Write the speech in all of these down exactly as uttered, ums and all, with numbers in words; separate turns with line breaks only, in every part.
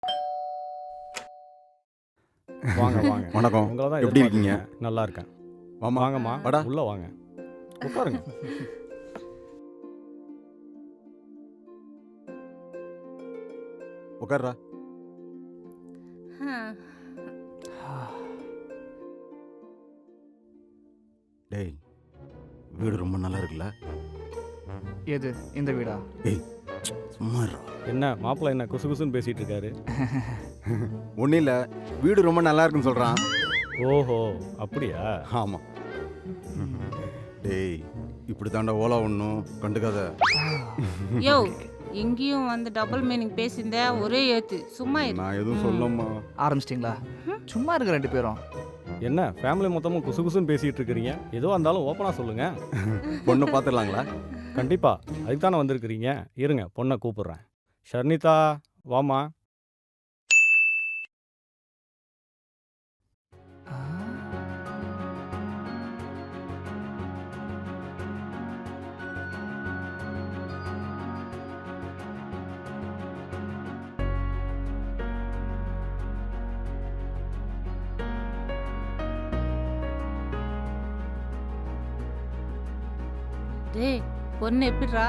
வாங்க வாங்க.
வணக்கம்.
உங்களை தான்
எப்படி இருக்கீங்க?
எதிர்பார்த்தேன். நல்லா இருக்கேன்.
வாமா.
வாங்கம்மா,
வாடா.
உள்ள வாங்க. உட்காருங்க.
உட்கார்றா. டேய், வீடு ரொம்ப நல்லா இருக்குல்ல?
எது இந்த வீடா?
ஏய், சும்மா இருடா.
என்ன மாப்பிள்ளை என்ன குசு குசுன்னு பேசிட்டு இருக்காரு?
ஒன்றும் இல்லை, வீடு ரொம்ப நல்லா இருக்குன்னு சொல்கிறான்.
ஓஹோ, அப்படியா?
ஆமாம். டேய், இப்படி தாண்டா ஓலா ஒன்றும் கண்டுக்காத.
யோ இங்கேயும் வந்து டபுள் மீனிங் பேசியிருந்த ஒரே ஏத்து சும்மா இரு.
நான் எதுவும் சொல்லம்மா.
ஆரம்பிச்சிட்டிங்களா? சும்மா இருங்க ரெண்டு பேரும்.
என்ன ஃபேமிலி மொத்தமும் குசு குசுன்னு பேசிட்டு இருக்கிறீங்க? எதுவாக இருந்தாலும் ஓப்பனாக சொல்லுங்க.
பொண்ணு பார்த்துடலாங்களா?
கண்டிப்பா, அதுக்கு தானே வந்திருக்கிறீங்க. இருங்க, பொண்ணை கூப்பிடுறேன். ஷர்னிதா, வாமா.
டேய் பொண்ணு எப்படிரா?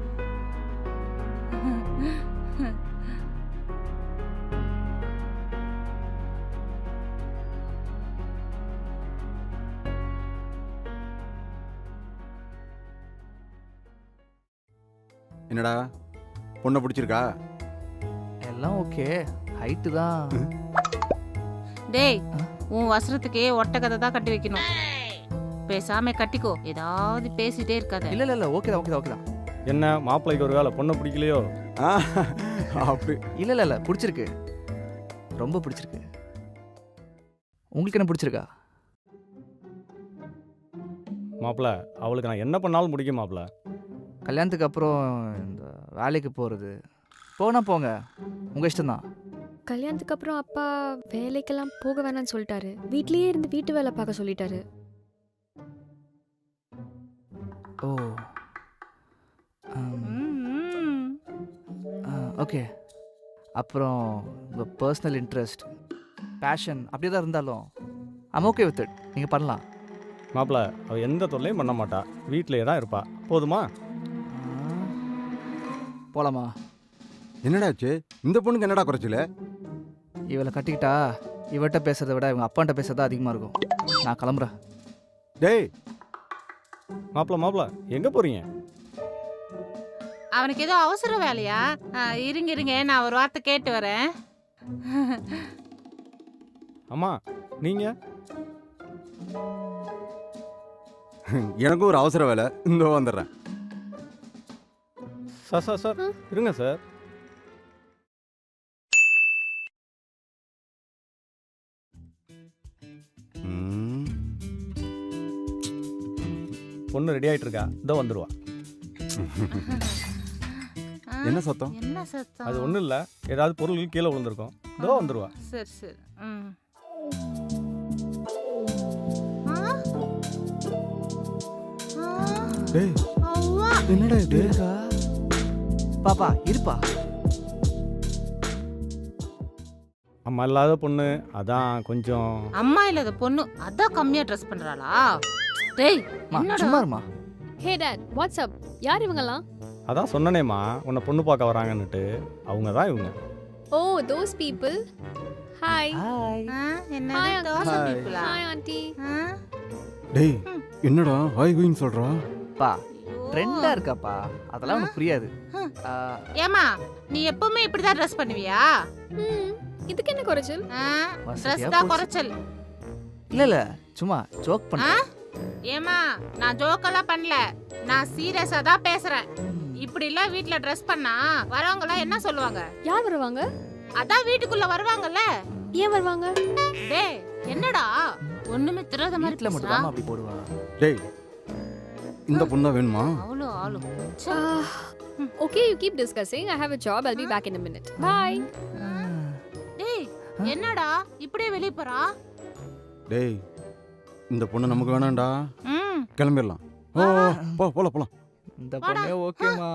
என்னடா, பொண்ணை பிடிச்சிருக்கா?
எல்லாம் ஓகே, ஹைட்டு தான்.
டேய் உன் வசரத்துக்கே ஒட்ட கதை தான் கட்டி வைக்கணும். பேசாம கட்டிக்கோ, ஏதாவது பேசிட்டே இருக்காத.
இல்ல இல்ல இல்ல ஓகே தான் ஓகே தான் ஓகே தான்.
என்ன மாப்பிள்ளைக்கு ஒரு வேலை பொண்ணை பிடிக்கலையோ?
ஆ, அப்படி
இல்ல இல்ல இல்ல பிடிச்சிருக்கு, ரொம்ப பிடிச்சிருக்கு. உங்களுக்கு என்ன பிடிச்சிருக்கா?
மாப்பிள்ளை, அவளுக்கு நான் என்ன பண்ணாலும் பிடிக்கும் மாப்பிள்ளை.
கல்யாணத்துக்கு அப்புறம் இந்த வேலைக்கு போகிறது போனா போங்க, உங்கள் இஷ்டம்தான்.
கல்யாணத்துக்கு அப்புறம் அப்பா வேலைக்கெல்லாம் போக வேணாம்னு சொல்லிட்டாரு. வீட்லயே இருந்து வீட்டு வேலை பார்க்க சொல்லிட்டாரு.
ஓ
ம்,
ஓகே. அப்புறம் உங்கள் பர்சனல் இன்ட்ரெஸ்ட், பேஷன் அப்படியே தான் இருந்தாலும் ஐம் ஓகே வித் இட். நீங்கள் பண்ணலாம்.
மாப்பிள்ளை, அவள் எந்த தொல்லையும் பண்ண மாட்டா, வீட்டிலேயே தான் இருப்பா. போதுமா?
போகலாமா?
என்னடாச்சு? இந்த பொண்ணுக்கு என்னடா குறைச்சல?
இவளை கட்டிக்கிட்டா இவட்ட பேசுறதை விட இவங்க அப்பான்ட்ட பேசுறது அதிகமாக இருக்கும். நான் கிளம்புறேன்.
டேய்,
மாப்பிள்ளை மாப்பிள்ளை எங்கே போகிறீங்க?
அவனுக்கு ஏதோ அவசர வேலையா? ஆ, இருங்க இருங்க, நான் ஒரு வார்த்தை கேட்டு வரேன்.
அம்மா, நீங்கள்?
எனக்கும் ஒரு அவசர வேலை, இந்த வந்துடுறேன்.
சார் சார் சார் இருங்க சார்.
ம்,
பொண்ணு ரெடி ஆகிட்டு இருக்கா, இதோ வந்துடுவா.
ஆ,
என்ன சத்தம்?
என்ன சத்தம்?
அது ஒன்றும் இல்லை, ஏதாவது பொருள் கீழே விழுந்திருக்கும், இதோ வந்துடுவா.
சரி சரி. ம். ஆ? ஆ,
டேய்,
அவ்வா.
என்னடா இது?
இருக்கா? பாப்பா இருப்பா.
அம்மா இல்லாத பொண்ணு, அதான் கொஞ்சம்.
அம்மா இல்லாத பொண்ணு அதான் கம்மியா ட்ரெஸ் பண்றாளா? டேய்
மா,
என்னடா?
சும்மா இருமா.
Hey dad, what's up? யார் இவங்கலாம்?
அதான் சொன்னனேம்மா, உன்னை பொண்ணு பார்க்க வராங்கன்னுட்டு. அவங்க தான் இவங்க.
Oh, those people. Hi.
Hi.
ஆ, என்ன
Hi, uncle.
தோசை
Hi.
பீப்புளா?
Hi aunty.
ஆ?
டேய், என்னடா ஹாய் ஹூயின்னு சொல்றா?
பா
ஐயோ.
ட்ரெண்டா இருக்காப்பா, அதெல்லாம் உனக்கு புரியாது.
ஹம்.
ஆ,
ஏம்மா நீ எப்பவுமே இப்படிதான் ட்ரெஸ் பண்ணுவியா?
ம், இதுக்கு என்ன குறைச்சல்?
வசதியா
ட்ரெஸ் தான்
போச்சு.
குறைச்சல்.
இல்ல இல்ல சும்மா ஜோக்
ஆ?
பண்ணேன்.
ஏம்மா நான் ஜோக்கெல்லாம் பண்ணல, நான் சீரியஸா தான் பேசுறேன். இப்படி எல்லாம் வீட்ல ட்ரெஸ் பண்ணா வரவங்க எல்லாம் என்ன சொல்லுவாங்க?
யார் வருவாங்க?
அதான் வீட்டுக்குள்ள வருவாங்கல்ல.
ஏன் வருவாங்க?
டேய் என்னடா ஒண்ணுமே தெரியாத மாதிரி
வீட்ல மட்டும்
பேசுறா?
தான் அப்படி போடுவா.
டேய், இந்த பொண்ணு தான் வேணுமா?
அவ்வளோ ஆளு.
Okay, you keep discussing. I have a job. I'll be back in a minute. Bye.
டேய் என்னடா இப்படியே வெளிய போறா?
டேய், இந்த பொண்ணு நமக்கு வேணாம்டா,
ம்
கிளம்பிடலாம். ஓ, போ போலாம் போலாம்.
இந்த பொண்ணே ஓகேமா.